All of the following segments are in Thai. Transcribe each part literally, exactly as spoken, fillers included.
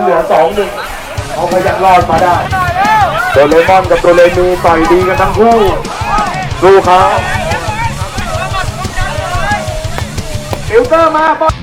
เหลือสองหนึ่งเขาพยักรอดมาได้โดเรมอนกับโดเรมีต่อยดีกันทั้งคู่สู้เขาฟิลเตอร์มาบอล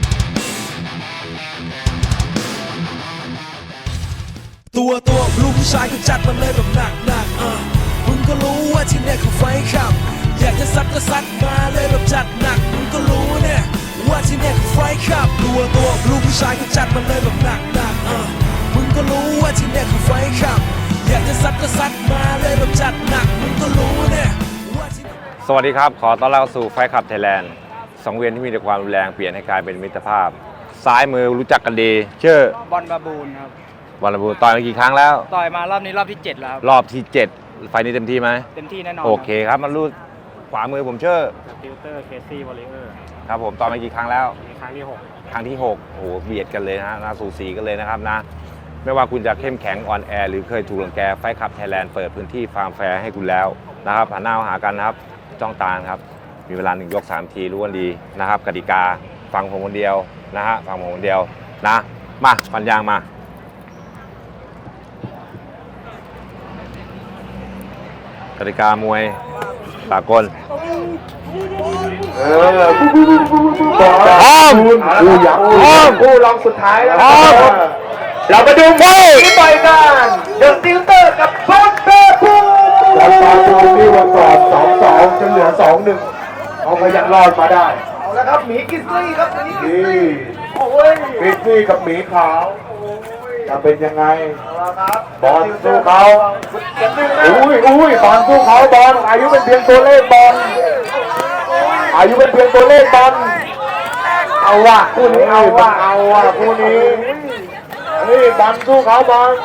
ตัวตัวลูกผู้ชายก็จัดมันเลยแบบหนักหนักอ่ะมึงก็รู้ว่าที่เนี่ยคือไฟขับอยากจะซัดก็ซัดมาเลยแบบจัดหนักมึงก็รู้เนี่ยว่าที่เนี่ยคือไฟขับตัวตัวลูกผู้ชายก็จัดมันเลยแบบหนักหนักอ่ะมึงก็รู้ว่าที่เนี่ยคือไฟขับอยากจะซัดก็ซัดมาเลยแบบจัดหนักมึงก็รู้เนี่ยว่าที่สวัสดีครับขอต้อนรับสู่ไฟขับไทยแลนด์สังเวียนที่มีแต่ความรุนแรงเปลี่ยนให้กลายเป็นมิตรภาพซ้ายมือรู้จักกันดีชื่อบอลบาบูนครับบอลระบูต่อยมากี่ครั้งแล้วต่อยมารอบนี้รอบที่เจ็ดแล้วรอบที่เจ็ดไฟนี้เต็มที่ไหมเต็มที่แน่นอนโอเคครับมันรู้ขวามือผมชื่อติวเตอร์เคซี่วอลเลอร์ครับผมต่อยมากี่ครั้งแล้วครั้งที่หกครั้งที่หกโอ้โหเบียดกันเลยนะน่าสูสีกันเลยนะครับนะไม่ว่าคุณจะเข้มแข็งอ่อนแอหรือเคยถูกรังแกไฟขับไทยแลนด์เปิดพื้นที่ฟาร์มแฟร์ให้คุณแล้วนะครับหันหน้ามาหากันนะครับจ้องตาครับมีเวลาหนึ่งยกสามทีรู้กันดีนะครับกติกาฟังผมคนเดียวนะฮะฟังผมคนเดียวนะมาปัญญางมากติกามวยสากลเออพร้อมคู่ยักษ์คู่รองสุดท้ายแล้วเรามาดูมวยที่ต่อยกันเดอะติวเตอร์กับบอลเบบูแล้วบอลบูที่วันก่อนสองสองจนเหลือสองหนึ่งเขาพยักรอดมาได้เอาละครับหมีกิสลี่ครับหมีกิสลี่โอ้ยกิสลี่กับหมีขาวจะเป็นยังไงบอลสู้เขาอุ้ยอุ้ยบอลสู้เขาบอลอายุเป็นเพียงตัวเลขบอลอายุเป็นเพียงตัวเลขบอลเอาว่ะคู่นี้เอาว่ะเอาว่ะคู่นี้นี่บอลสู้เขาบอล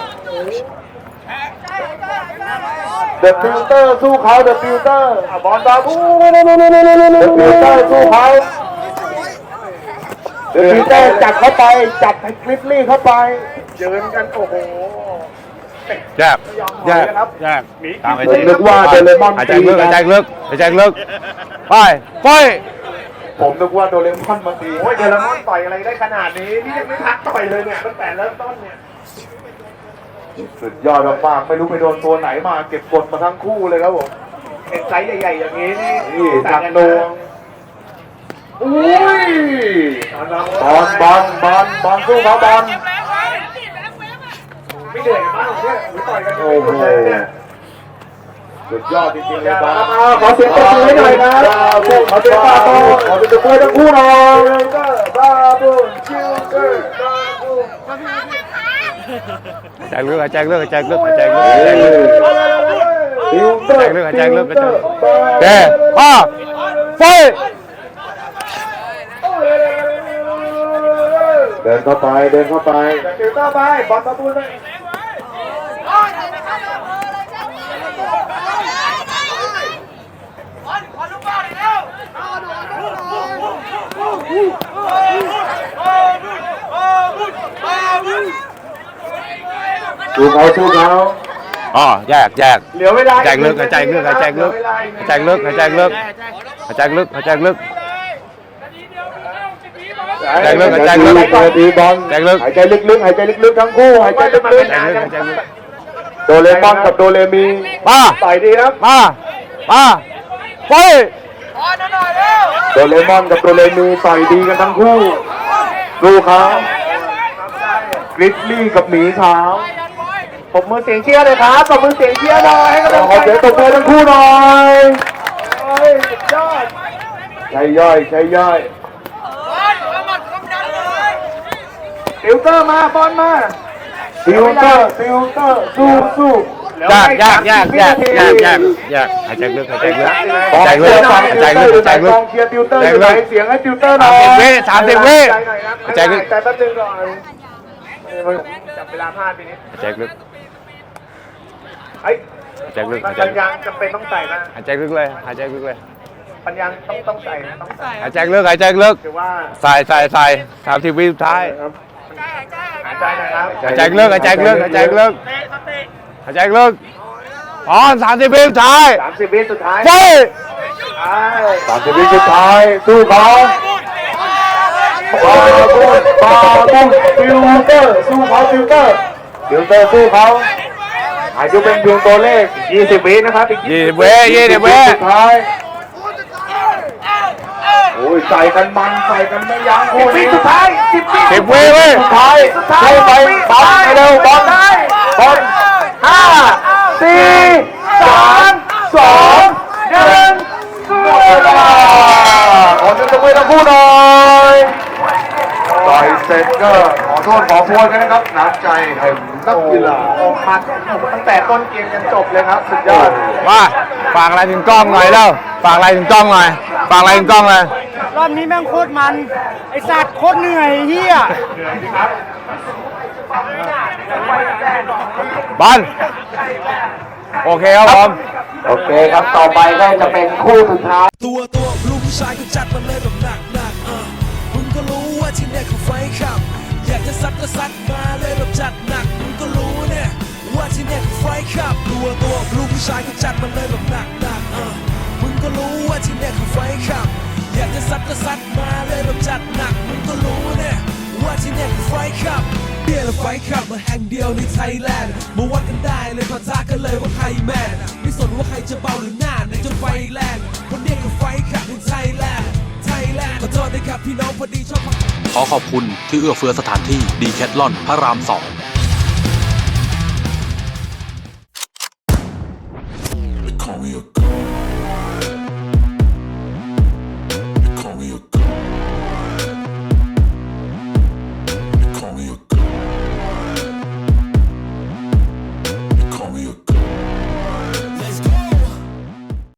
เดอะฟิลเตอร์สู้เขาเดอะฟิลเตอร์บอลบาบูเดอะฟิลเตอร์สู้เขาเดอะฟิลเตอร์จับเข้าไปจับให้คลิปลี่เข้าไปเดินกันโอ้โหแยกแยกแยกตามไปนึกว่าเดเรมอนหายใจลึกหายใจลึกหายใจลึกไปไปผมนึกว่าโดเรมอนมาตีโอ้ยเดเรมอนต่อยอะไรได้ขนาดนี้นี่ยังไม่พักต่อยเลยเนี่ยตั้งแต่เริ่มต้นเนี่ยสุดยอดมากไม่รู้ไปโดนตัวไหนมาเก็บกดมาทั้งคู่เลยครับผมเอ็นไซส์ใหญ่ๆอย่างนี้นี่จักรดวงอุ้ยบอลบอลบอลบอลสู้เขาบอลไม่เหนื่อยกันบ้างเนี่ยหรือต่อยกันโอ้โหสุดยอดจริงๆเลยบอลขอเสียงปรบมือให้หน่อยนะขอเสียงปรบมือขอเสียงปรบมือทั้งคู่หน่อยบาบูชิลเกอร์บาบูหายใจลึกหายใจลึกหายใจลึกหายใจลึกหายใจลึกหายใจลึกหายใจลึกหายใจลึกเด้อไฟเดินเข้าไปเดินเข้าไปฟิลเตอร์ไปบอลบาบูไปสู้เขาสู้เขาอ๋อแยกแยกเหลียวไม่ได้หายใจลึกหายใจลึกหายใจลึกหายใจลึกหายใจลึกหายใจลึกหายใจลึกหายใจลึกหายใจลึกตีบอลหายใจลึกหายใจลึกๆหายใจลึกๆทั้งคู่หายใจลึกๆโดเรมอนกับโดเรมีมาต่อยดีครับมามาไปโดเรมอนกับโดเรมีต่อยดีกันทั้งคู่ดูเขากริซลี่กับหมีขาวปรบมือเสียงเชียร์เลยครับปรบมือเสียงเชียร์หน่อยให้กำลังใจขอเสียงปรบมือทั้งคู่หน่อยสุดยอดใช้ย่อยใช้ย่อยติวเตอร์มาบอลมาติวเตอร์ติวเตอร์สู้สู้ยากยากยากยากยากยากยากหายใจลึกหายใจลึกหายใจลึกหายใจลึกหายใจลึกเชียร์ติวเตอร์อยู่ไหนเสียงให้ติวเตอร์หน่อยสามสิบวิหายใจลึกแต่แป๊บนึงก่อนจับเวลาพลาดไปนิดหายใจลึกไอ้หายใจลึกหายใจปัญญาจำเป็นต้องใส่นะหายใจลึกเลยหายใจลึกเลยปัญญาต้องต้องใส่นะต้องใส่หายใจลึกหายใจลึกใส่ใส่ใส่สามสิบวิสุดท้ายหายใจนะครับหายใจลึกหายใจลึกหายใจลึกหายใจลึกอ๋อสามสิบวิสุดท้ายสามสิบวิสุดท้ายไปสามสิบวิสุดท้ายสู้เขาบาบูนบาบูนฟิลเตอร์สู้เขาฟิลเตอร์ฟิลเตอร์สู้เขาอายุเป็นเพียงตัวเลขยี่สิบวินะครับอีกยี่สิบเว้ยยี่สิบเว้ยสุดท้ายโอ้ยใส่กันมันใส่กันไม่ยั้งคู่นี้สุดท้ายสิบวิสิบเว้ยเว้ยสุดท้ายสุดท้ายไปบอลไปเร็วบอลบอลห้าสี่สามสองหนึ่งหมดเวลาขอเชิญตบมือทั้งคู่หน่อยต่อยเสร็จก็ขอโทษขอโพยกันนะครับน้ำใจแห่งนักกีฬาออกมาตั้งแต่ต้นเกมจนจบเลยครับสุดยอดมาฝากอะไรถึงกล้องหน่อยแล้วฝากอะไรถึงกล้องหน่อยฝากอะไรถึงกล้องเลยรอบนี้แม่งโคตรมัน ไอสัตว์โคตรเหนื่อยเฮียบอลโอเคครับผมโอเคครับต่อไปก็จะเป็นคู่สุดท้ายตัวตัวลูกผู้ชายก็จัดมาเลยแบบหนักหนักๆเออมึงก็รู้ว่าที่เนี่ยเขาไฟขับ อยากจะซัดก็ซัดมาเลยแบบจัดหนักมึงก็รู้เนี่ยว่าที่เนี่ยเขาไฟขับ ตัวตัวลูกผู้ชายก็จัดมาเลยแบบหนักหนักๆเออมึงก็รู้ว่าที่เนี่ยเขาไฟขับ อยากจะซัดก็ซัดมาเลยแบบจัดหนักมึงก็รู้เนี่ยว่าที่เนี่ยเขาไฟขับเบียร์และไฟขับมาแห่งเดียวในไทยแลนด์มาวัดกันได้เลยปะทะกันเลยว่าใครแมนไม่สนว่าใครจะเบาหรือหน้าในจนไฟแรงคนเนี้ยคือไฟขับในไทยแลนด์ไทยแลนด์ขอโทษนะครับพี่น้องพอดีชอบขอขอบคุณที่เอื้อเฟื้อสถานที่ดีแคทลอนพระรามสอง